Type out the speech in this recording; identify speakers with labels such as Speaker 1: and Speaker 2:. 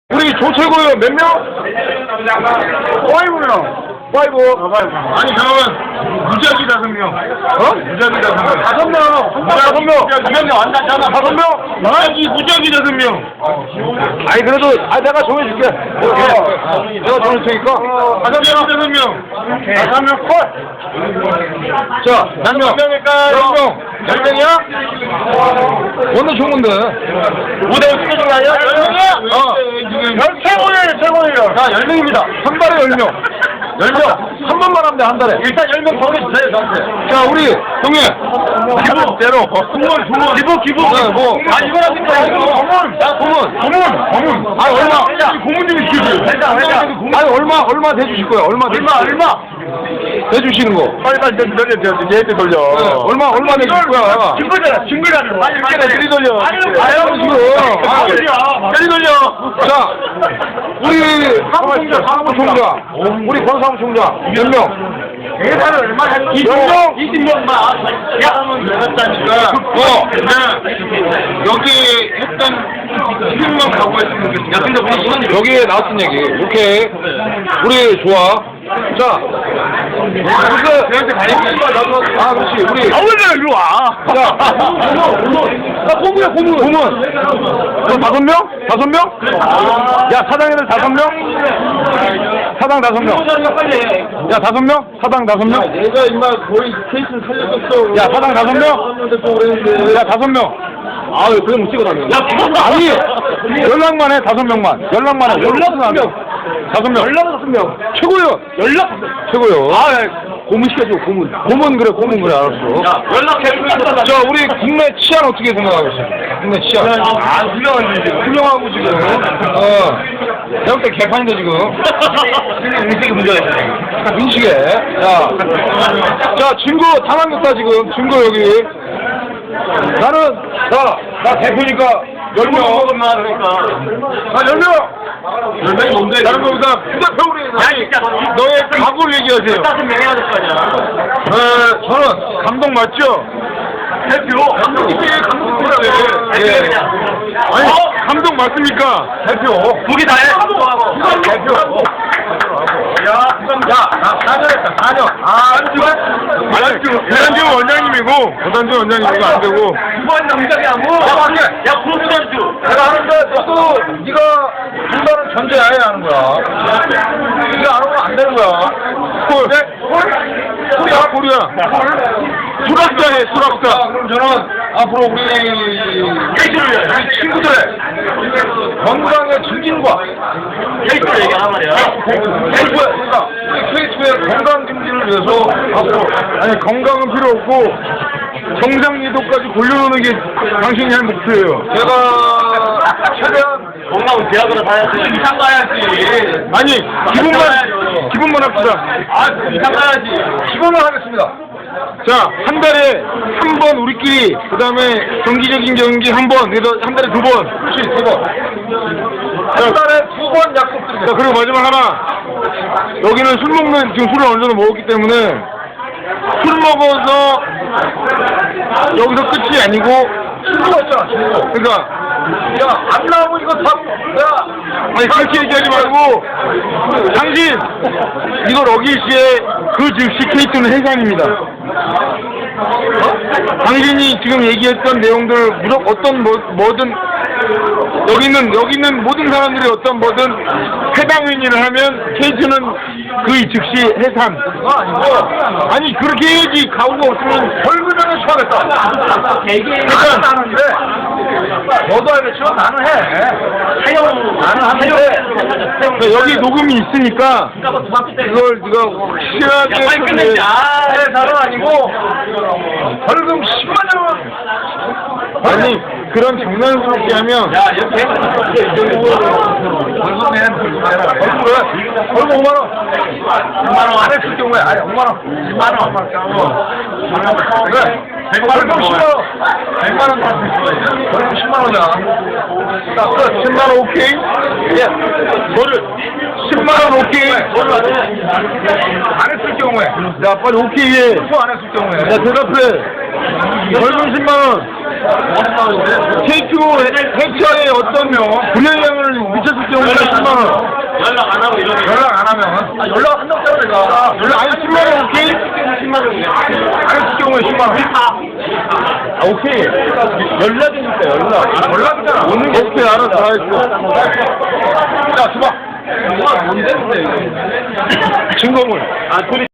Speaker 1: 우리 조최고요 몇 명?
Speaker 2: 5명.
Speaker 1: 5.
Speaker 2: 아니 잠깐만 무작위 5명.
Speaker 1: 어?
Speaker 2: 무작위 5명.
Speaker 1: 5명.
Speaker 2: 무작위 5명 안 나잖아.
Speaker 1: 5명?
Speaker 2: 무작위 5명.
Speaker 1: 아니 그래도 내가 정해줄게. 내가 정해줄 테니까.
Speaker 2: 5명. 5명 콜.
Speaker 1: 자, 몇 명?
Speaker 2: 10명일까요?
Speaker 1: 10명이야? 어느 종인데?
Speaker 2: 5대5 스케줄 아니야? 10명이야? 최고예요. 자 10명입니다.
Speaker 1: 한 달에 10명. 10명. 한 번만 하면 돼, 한 달에.
Speaker 2: 일단 10명 정해주세요 저한테.
Speaker 1: 자, 우리 동해. 기부대로.
Speaker 2: 기부.
Speaker 1: 네, 뭐.
Speaker 2: 아 이거 하니까 고문.
Speaker 1: 아, 얼마?
Speaker 2: 고문님이 기부.
Speaker 1: 아니, 얼마 대주실 거야? 얼마 대주시는 거?
Speaker 2: 빨리 얘한테 돌려.
Speaker 1: 네, 얼마 대주실 거야?
Speaker 2: 증거잖아. 빨리
Speaker 1: 빨리 돌려.
Speaker 2: 아유 지금. 빨리 돌려.
Speaker 1: 자, 우리 사무총장, 우리 권사무총장 몇 명?
Speaker 2: 예산을 얼마나 20명만. 여기 했던 10명만 가고 했으면 좋겠어. 야 근데 우리 시간이
Speaker 1: 여기에 나왔던 얘기. 오케이. 우리 좋아. 자,
Speaker 2: 내한테 가니까
Speaker 1: 그렇지. 우리.
Speaker 2: 왜 이리 와?
Speaker 1: 자, 고문. 너 5명? 5명? 야, 사당에는 5명? 사당 5명. 야, 5명? 사당 5명?
Speaker 2: 내가 임마 거의 케이스를 살렸었어.
Speaker 1: 야, 사당 5명? 야, 5명.
Speaker 2: 아유 그냥 못 찍어다녀.
Speaker 1: 아니, 연락만 해, 5명만. 연락만 해. 연락은 안 해. 5명.
Speaker 2: 연락은 5명.
Speaker 1: 최고요. 최고요.
Speaker 2: 고문 시켜줘 고문.
Speaker 1: 고문 그래, 알았어.
Speaker 2: 야 연락해.
Speaker 1: 자, 우리 국내 치안 어떻게 생각하고 있어? 국내 치안.
Speaker 2: 훌륭한데 지금.
Speaker 1: 훌륭하고 지금. 내가 볼때 개판인데 지금.
Speaker 2: 인식이 문제가 있어.
Speaker 1: 민식에. 자, 증거 다 남겼다 지금. 증거 여기. 나 대표니까 10명.
Speaker 2: 그러니까.
Speaker 1: 10명.
Speaker 2: 10명이 뭔데?
Speaker 1: 다른 거보다 부대표우리. 너의 각오를 얘기하세요.
Speaker 2: 5명 해야 될 거 아니야.
Speaker 1: 저는 감독 맞죠?
Speaker 2: 대표. 감독님이 감독님이라고 해.
Speaker 1: 예. 아니, 감독 맞습니까? 대표.
Speaker 2: 두개 다 해.
Speaker 1: 대표. 야, 4년 했다, 4년. 고단주 원장님이고, 안 되고.
Speaker 2: 두번 남자냐고. 야, 프로듀던주.
Speaker 1: 내가 하는데, 너도, 네가 한다는 전제하에 하는 거야. 네가 안 하면 안 되는 거야. 콜이야. 수락자 해, 수락자. 그럼 저는 앞으로 우리 친구들의 건강의 증진과
Speaker 2: 케이스를 얘기하란 말이야.
Speaker 1: 그러니까 K2의 건강 증진을 위해서 앞으로 건강은 필요 없고 정상리도까지 골려놓는 게 당신이 할 목표예요. 제가 최대한
Speaker 2: 건강은 대학으로 가야지. 이상 가야지.
Speaker 1: 아니 기분만 합시다.
Speaker 2: 이상 가야지.
Speaker 1: 기본을 하겠습니다. 자, 한 달에 한 번 우리끼리, 그 다음에 정기적인 경기 한 번, 그래서 한 달에 2번. 그렇지, 2번. 한 달에 2번 약속드립니다. 자, 그리고 마지막 하나. 여기는 술 먹는, 지금 술을 어느 정도 먹었기 때문에 술 먹어서 여기서 끝이 아니고 친구가 있잖아, 친구. 그러니까 야, 안 나오면 이거 다, 아니, 그렇게 얘기하지 말고, 당신, 이거 러기시의 그 즉시 K2는 해산입니다. 당신이 지금 얘기했던 내용들, 무조건 어떤 뭐든, 여기 있는 모든 사람들이 어떤 뭐든 해당 행위를 하면 K2는 그 즉시 해산. 아니, 그렇게 해야지. 가오가 없으면 벌금형에 처하겠다. 너도 알겠지만 나는 해. 나는 하는데 여기 녹음이 있으니까 그걸 네가 확실하게
Speaker 2: 빨리 끝내자.
Speaker 1: 다는 아니고 벌금 10만 원. 아니 그런 장난스럽게 하면 벌금 5만 원. 5만 원 안 했을 경우에 5만 원. 10만 원. 그래. 벌금 10만 원. 100만 원 받을 수 있어. 벌금 10만 원이야. 10만 원 오케이? 뭐를 10만 원 오케이.
Speaker 2: 안 했을 경우에.
Speaker 1: 야 빨리 오케이 해.
Speaker 2: 안 했을 경우에.
Speaker 1: 야 대답해. 벌금 10만 원. KQ 행차에 어떤 불영향을 미쳤을 경우에 10만 원.
Speaker 2: 연락 안 하면. 연락 한다고 내가.
Speaker 1: 연락 아니 10만 원 오케이? 10만 원.
Speaker 2: 안 했을 경우에 10만 원.
Speaker 1: 아 오케이. 연락이니까 연락.
Speaker 2: 연락이잖아.
Speaker 1: 오는 거 오케이 알았어 다 했어.
Speaker 2: 야, 줘봐. 뭔데?
Speaker 1: 증거물.